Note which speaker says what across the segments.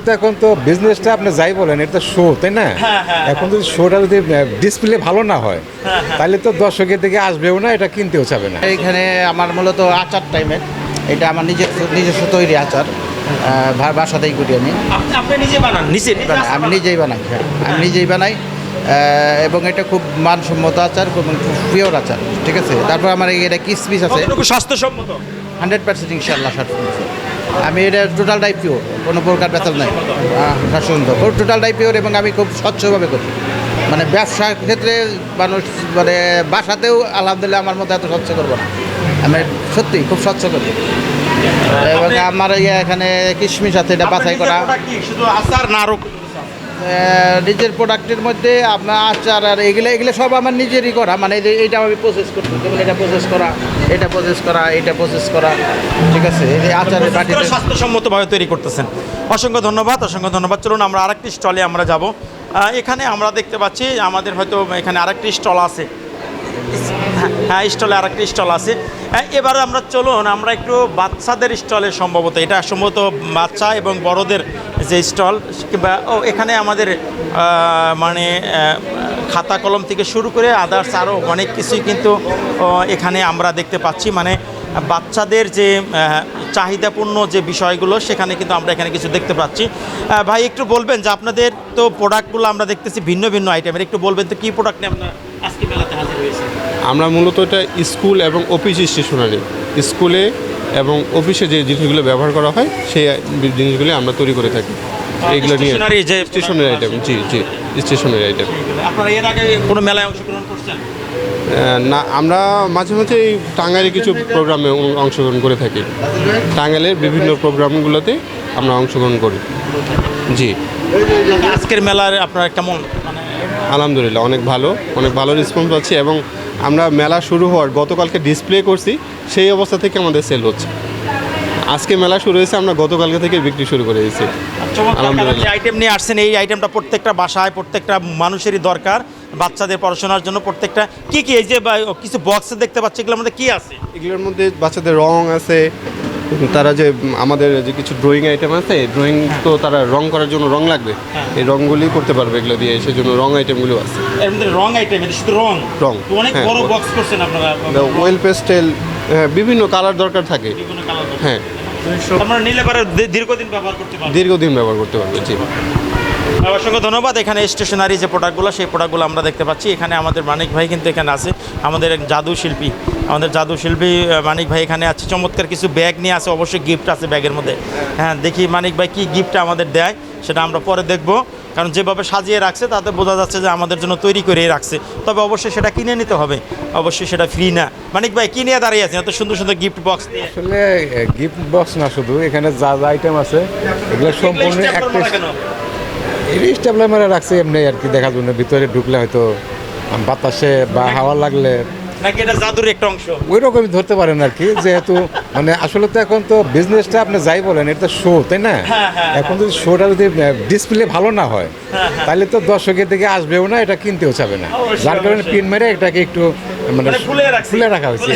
Speaker 1: তো এখন তো বিজনেসটা আপনি যাই বলেন এটা শো তাই না? এখন যদি শোটা যদি ডিসপ্লে ভালো না হয় তাহলে তো দর্শকের দিকে আসবেও না, এটা কিনতেও চাবে না।
Speaker 2: এইখানে আমার মূলত আচার টাইমের, এটা আমার নিজস্ব তৈরি আচার, বাসাতেই করি আমি।
Speaker 3: আপনি নিজে বানান?
Speaker 2: আমি নিজেই বানাই, হ্যাঁ আমি নিজেই বানাই, এবং এটা খুব মানসম্মত আচার এবং খুব পিওর আচার, ঠিক আছে। তারপর আমার এটা কিসমিস আছে,
Speaker 3: স্বাস্থ্যসম্মত
Speaker 2: 100% ইনশাল্লাহ। আমি এটা টোটালটাই পিওর, কোনো প্রকার বেতাল নাই, স্বাচ্ছন্দ্য টোটালটাই পিওর, এবং আমি খুব স্বচ্ছভাবে করি। মানে ব্যবসার ক্ষেত্রে মানুষ মানে বাসাতেও আলহামদুলিল্লাহ আমার মতো এত স্বচ্ছ করবো না, আমি সত্যি খুব স্বচ্ছ করি। এবং আমার এখানে কিশমিশ আছে, এটা বাছাই করা।
Speaker 3: শুধু আচার না আরো
Speaker 2: নিজের প্রোডাক্টের মধ্যে আপনার আচার আর এগুলো সব আমার নিজেরই করা, মানে এইটা আমি প্রসেস করতে, যেমন এটা প্রসেস করা, এটা প্রসেস করা, এটা প্রসেস করা, ঠিক আছে। এই আচারের বাটিতে
Speaker 3: স্বাস্থ্যসম্মতভাবে তৈরি করতেছেন। অসংখ্য ধন্যবাদ, অসংখ্য ধন্যবাদ। চলুন আমরা আরেকটি স্টলে আমরা যাব। এখানে আমরা দেখতে পাচ্ছি আমাদের হয়তো এখানে আরেকটি স্টল আছে। হ্যাঁ, স্টলে আরেকটি স্টল আছে। এবার আমরা চলুন আমরা একটু বাচ্চাদের স্টলে, সম্ভবত এটা সম্ভবত বাচ্চা এবং বড়দের যে স্টল, কিংবা এখানে আমাদের মানে খাতা কলম থেকে শুরু করে আদার্স আরও অনেক কিছুই কিন্তু এখানে আমরা দেখতে পাচ্ছি। মানে বাচ্চাদের যে চাহিদাপূর্ণ যে বিষয়গুলো সেখানে কিন্তু আমরা এখানে কিছু দেখতে পাচ্ছি। ভাই একটু বলবেন যে আপনাদের তো প্রোডাক্টগুলো আমরা দেখতেছি ভিন্ন ভিন্ন আইটেমের, একটু বলবেন তো কী প্রোডাক্ট নিয়ে আপনার আজকে মেলাতে হাজির হয়েছে?
Speaker 4: আমরা মূলত এটা স্কুল এবং অফিস স্টেশনারি, স্কুলে এবং অফিসে যে জিনিসগুলো ব্যবহার করা হয় সেই জিনিসগুলো আমরা তৈরি করে থাকি। এইগুলো নিয়ে স্টেশনারি আইটেম, জি জি স্টেশনারি আইটেম।
Speaker 3: আপনারা এর আগে কোনো মেলায় অংশগ্রহণ করছেন?
Speaker 4: না, আমরা মাঝে মাঝে এই টাঙ্গাইলে কিছু প্রোগ্রামে অংশগ্রহণ করে থাকি। টাঙ্গাইলের বিভিন্ন প্রোগ্রামগুলোতে আমরা অংশগ্রহণ করি। জি।
Speaker 3: আজকের মেলার আপনারা কেমন?
Speaker 4: আলহামদুলিল্লাহ অনেক ভালো রেসপন্স পাচ্ছি, এবং আমরা মেলা শুরু হওয়ার গতকালকে ডিসপ্লে করছি, সেই অবস্থা থেকে আমাদের সেল হচ্ছে। আজকে মেলা শুরু হয়েছে, আমরা গতকালকে থেকে বিক্রি শুরু করে দিয়েছি।
Speaker 3: যে আইটেম নিয়ে আসছেন, এই আইটেমটা প্রত্যেকটা বাসায় প্রত্যেকটা মানুষেরই দরকার, বাচ্চাদের পড়াশোনার জন্য। প্রত্যেকটা কি এই যে কিছু বক্সে দেখতে পাচ্ছি, এগুলোর মধ্যে কি আছে?
Speaker 4: এগুলোর মধ্যে বাচ্চাদের রং আছে, তারা যে আমাদের যে কিছু ড্রয়িং আইটেম আছে, ড্রয়িং তো তারা রং করার জন্য রং লাগবে, এই রংগুলি করতে পারবে এগুলো দিয়ে, সেই জন্য রং আইটেমগুলো আছে।
Speaker 3: এর মধ্যে রং আইটেম, এটা শুধু রং তো অনেক বড় বক্স করছেন আপনারা।
Speaker 4: ওয়েল পেস্টেল, বিভিন্ন কালার দরকার থাকে। হ্যাঁ,
Speaker 3: আমরা নিলে পরে দীর্ঘদিন ব্যবহার করতে পারবো।
Speaker 4: দীর্ঘদিন ব্যবহার করতে পারবে। জি,
Speaker 3: অসংখ্য ধন্যবাদ। এখানে স্টেশনারি যে প্রোডাক্টগুলো, সেই প্রোডাক্টগুলো আমরা দেখতে পাচ্ছি। এখানে আমাদের মানিক ভাই কিন্তু এখানে আছে, আমাদের এক জাদু শিল্পী মানিক ভাই এখানে আছে। চমৎকার কিছু ব্যাগ নিয়ে আছে, অবশ্যই গিফট আছে ব্যাগের মধ্যে। হ্যাঁ, দেখি মানিক ভাই কি গিফটটা আমাদের দেয়, সেটা আমরা পরে দেখব। কারণ যেভাবে সাজিয়ে রাখছে তাতে বোঝা যাচ্ছে যে আমাদের জন্য তৈরি করে রাখছে। তবে অবশ্যই সেটা কিনে নিতে হবে, অবশ্যই সেটা ফ্রি না। মানিক ভাই কি নিয়ে দাঁড়িয়ে আছেন এত সুন্দর সুন্দর গিফট বক্স নিয়ে?
Speaker 1: আসলে গিফট বক্স না, শুধু এখানে যা যা আইটেম আছে এগুলো সম্পূর্ণ একটা স্টেপলার মেরে রাখছে এমনি আর কি, দেখার জন্য। ভিতরে ঢুকলে হয়তো বাতাসে বা হাওয়া লাগলে
Speaker 3: নাকি এটা জাদুর একটা অংশ,
Speaker 1: ওই রকমই ধরতে পারেন আর কি। যেহেতু মানে আসলে তো এখন তো বিজনেসটা আপনি যাই বলেন এটা শো তাই না? এখন যদি শোটা যদি ডিসপ্লে ভালো না হয় তাহলে তো দর্শকের দিকে আসবেও না, এটা কিনতেও চাবে না। যার কারণে পিন মেরে এটাকে একটু মানে ফুলে রাখা হয়েছে।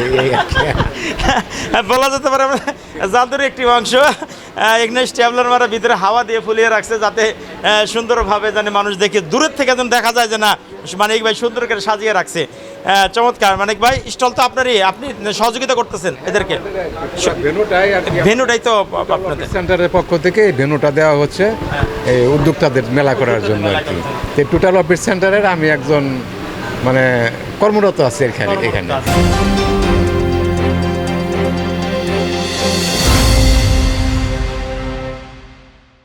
Speaker 3: বলা যেতে পারে জাদুর একটি অংশ। এখানে স্টেবলার মারা ভিতরে হাওয়া দিয়ে ফুলিয়ে রাখছে, যাতে সুন্দরভাবে জানে মানুষ দেখে, দূরের থেকে যেন দেখা যায় যে না মানিক ভাই সুন্দর করে সাজিয়ে রাখছে। চমৎকার। মানিক ভাই, স্টল তো আপনারই, আপনি সহযোগিতা করতেছেন এদেরকে। ভেন্যুটাই তো আপনাদের
Speaker 1: সেন্টারের পক্ষ থেকে এই ভেন্যুটা দেওয়া হচ্ছে এই উদ্যোক্তাদের মেলা করার জন্য আর কি। টোটাল অফিস সেন্টারের আমি একজন মানে কর্মরত আছি এখানে।